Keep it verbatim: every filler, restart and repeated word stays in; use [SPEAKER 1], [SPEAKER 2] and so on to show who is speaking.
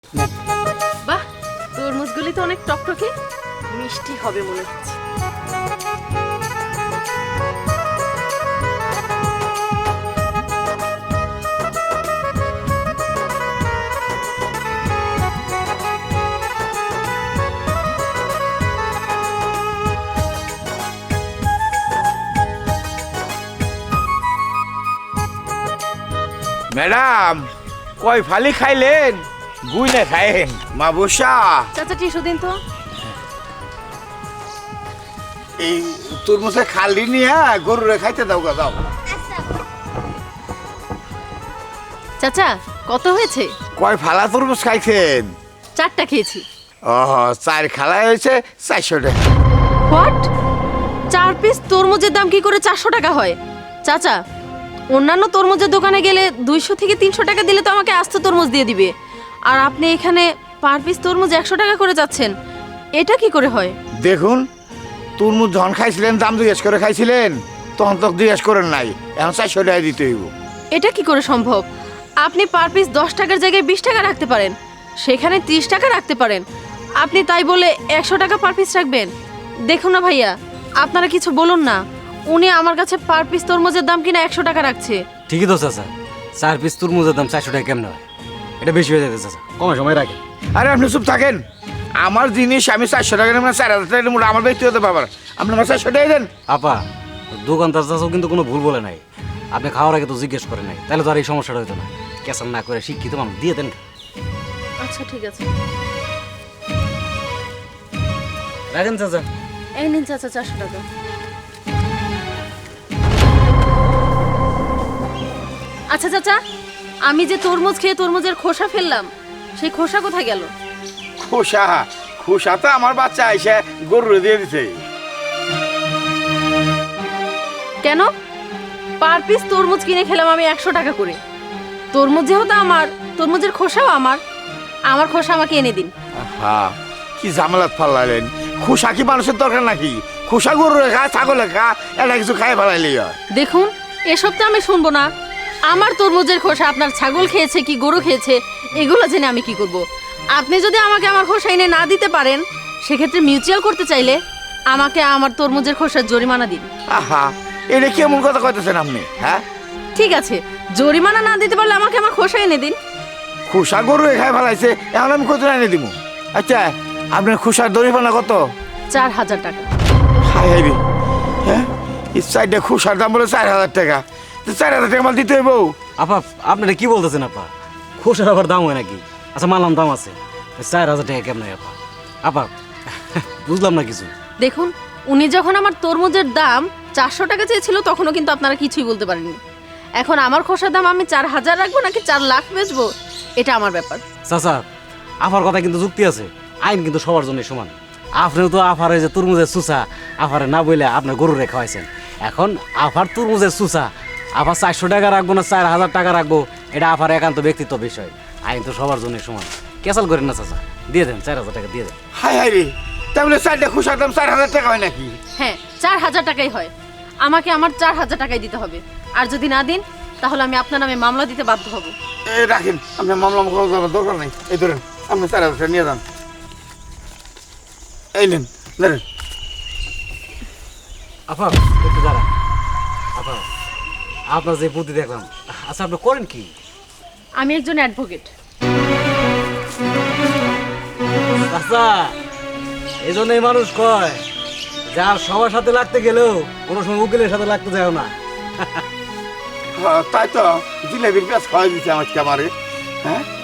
[SPEAKER 1] বাহ, তরমুজগুলি তো অনেক টকটকে, মিষ্টি হবে মনে হচ্ছে।
[SPEAKER 2] ম্যাডাম, কই ফালি খাইলেন? গুই না খাইলেন মা বসা।
[SPEAKER 1] চাচা টিসু দিন তো।
[SPEAKER 2] এই তরমুজে খালি নিয়ে গরুরে খাইতে দাও গা, দাও।
[SPEAKER 1] চাচা কত হয়েছে?
[SPEAKER 2] কয় ফালা তরমুজ খাইছেন?
[SPEAKER 1] চারটা খেয়েছি।
[SPEAKER 2] ও, চার খালাই হয়েছে চারশো টাকা।
[SPEAKER 1] হোয়াট? চার পিস তরমুজের দাম কি করে চারশো টাকা হয়? চাচা, অন্যান্য তরমুজের দোকানে গেলে দুইশো থেকে তিনশো টাকা দিলে তো আমাকে আস্ত তরমুজ দিয়ে দিবে, আর আপনি এখানে পার পিস তরমুজ একশো টাকা করে যাচ্ছেন, এটা কি করে হয়?
[SPEAKER 2] দেখুন, তরমুজ যখন খাইছিলেন দাম জিজ্ঞেস করে খাইছিলেন, তখন তো জিজ্ঞেস করেন নাই, এখন চারশো টাকা দিতে হইব।
[SPEAKER 1] এটা কি করে সম্ভব? আপনি পার পিস দশ টাকার জায়গায় বিশ টাকা রাখতে পারেন, সেখানে ত্রিশ টাকা রাখতে পারেন, আপনি তাই বলে একশো টাকা পার পিস রাখবেন? দেখুন না ভাইয়া, আপনারা কিছু বলুন না, উনি আমার কাছে পার পিস তরমুজের দাম কিনা একশো টাকা রাখছে।
[SPEAKER 3] ঠিকই তো চাচা, চার পিস তরমুজের দাম চারশো টাকা কেমন হয়? এটা বেশি হয়ে যাচ্ছে চাচা, কমে সময় রাখেন।
[SPEAKER 2] আরে আপনি চুপ থাকেন। আমার জিনিস আমি চারশো টাকা নেব না চার হাজার টাকা নেব, আমার ব্যক্তিগত ব্যাপার। আপনি আমার চারশো টাকা দেন।
[SPEAKER 3] আপা, দোকানদার চাচাও কিন্তু কোনো ভুল বলে নাই, আপনি খাওয়ার আগে তো জিজ্ঞেস করে নাই, তাহলে তো আর এই সমস্যাটা হতো না। ক্যাসাল না করে শিক্ষিত মানুষ দিয়ে দেন।
[SPEAKER 1] আচ্ছা ঠিক আছে,
[SPEAKER 3] রাখেন চাচা।
[SPEAKER 1] এই নিন চাচা চারশো টাকা। আচ্ছা চাচা, আমি যে তরমুজ খেয়ে তরমুজের খোসা ফেললাম, সেই খোসা কোথায় গেল?
[SPEAKER 2] খোসা খোসা তো আমার বাচ্চা এসে গরুরে দিয়ে দিছে।
[SPEAKER 1] কেন? পার পিস তরমুজ কিনে খেলাম আমি একশো টাকা করে, তরমুজ যেহেতু আমার, তরমুজের খোসাও আমার, আমার খোসা আমাকে এনে দিন।
[SPEAKER 2] হ্যাঁ, কি ঝামেলাত ফালাইলেন? খোসা কি মানুষের দরকার নাকি? খোসা গরুরে খা, ছাগলে খা, এটা কিছু খাই ফেলাইলেই হয়।
[SPEAKER 1] দেখুন, এসব তো আমি শুনবো না। আমার তরমুজের খোসা আপনার ছাগল খেয়েছে কি গরু খেয়েছে, এগুলো জেনে আমি কি করব? আপনি যদি আমাকে আমার খোসা এনে না দিতে পারেন, সেক্ষেত্রে মিউচুয়াল করতে চাইলে আমাকে আমার তরমুজের খোসার জরিমানা দিন।
[SPEAKER 2] আহা, এটা কেমন কথা কইতেছেন আপনি? হ্যাঁ,
[SPEAKER 1] ঠিক আছে, জরিমানা না দিতে পারলে আমাকে আমার খোসা এনে দিন।
[SPEAKER 2] খোসা গরুরে খাই ফেলাইছে, এখন আমি কত এনে দিব? আচ্ছা, আপনার খোসার দরিমানা কত?
[SPEAKER 1] চার হাজার টাকা।
[SPEAKER 2] হাই হাই রে, হ্যাঁ, এই চারটা খোসার দাম বলে চার হাজার টাকা। তো চার হাজার টাকা মাল দিতে হইব।
[SPEAKER 3] আপা, আপনারা কি বলতেছেন আপা? খোসার আবার দাম হয় নাকি? আচ্ছা মানলাম দাম আছে, চার হাজার টাকা কেমন হয় আপা? আপা বুঝলাম না কিছু।
[SPEAKER 1] দেখুন, উনি যখন আমার তরমুজের দাম চারশো টাকা চেয়েছিল, তখনও কিন্তু আপনারা কিছুই বলতে পারেননি। এখন আমার খোসার দাম আমি চার হাজার রাখবো নাকি চার লাখ বেচবো, এটা আমার ব্যাপার।
[SPEAKER 3] চাচা, আফার কথা কিন্তু যুক্তি আছে, আইন কিন্তু সবার জন্য সমান। আপনিও তো আফার যে তরমুজের সুসা আফারে না বলে আপনার গরুরে খাওয়াইছেন, এখন আফার তরমুজের সুসা আফার চারশো টাকা রাখবো না চার হাজার টাকা রাখবো, এটা আফার একান্ত ব্যক্তিত্ব বিষয়। আইন তো সবার জন্য সমান, ক্যাসাল করেন না চাচা, দিয়ে দেন চার হাজার টাকা দিয়ে দেন।
[SPEAKER 2] হাই হাই রে, তাহলে চারটা খোসার দাম চার হাজার টাকা হয় নাকি?
[SPEAKER 1] হ্যাঁ, চার হাজার টাকাই হয়। আমাকে আমার চার হাজার টাকাই দিতে হবে, আর যদি না দিন তাহলে আমি আপনার নামে মামলা দিতে বাধ্য হব।
[SPEAKER 2] এই রাখেন, আপনার মামলা করার দরকার নেই। এই ধরেন, আপনি চার হাজার টাকা নিয়ে যান। এই নেন, ধরেন।
[SPEAKER 3] আপা একটু দাঁড়ান। আপা, আপনার যে বুদ্ধি দেখলাম, আচ্ছা আপনি করেন কি?
[SPEAKER 1] আমি একজন অ্যাডভোকেট।
[SPEAKER 3] আচ্ছা, এই জন্যই মানুষ কয়, যার সবার সাথে লাগতে গেলেও কোনো সময় উকিলের সাথে লাগতে যায় না।
[SPEAKER 2] হ্যাঁ, তাই তো জিলেবির পেঁয়াজ খাওয়াই দিচ্ছে আমাকে আমারে। হ্যাঁ,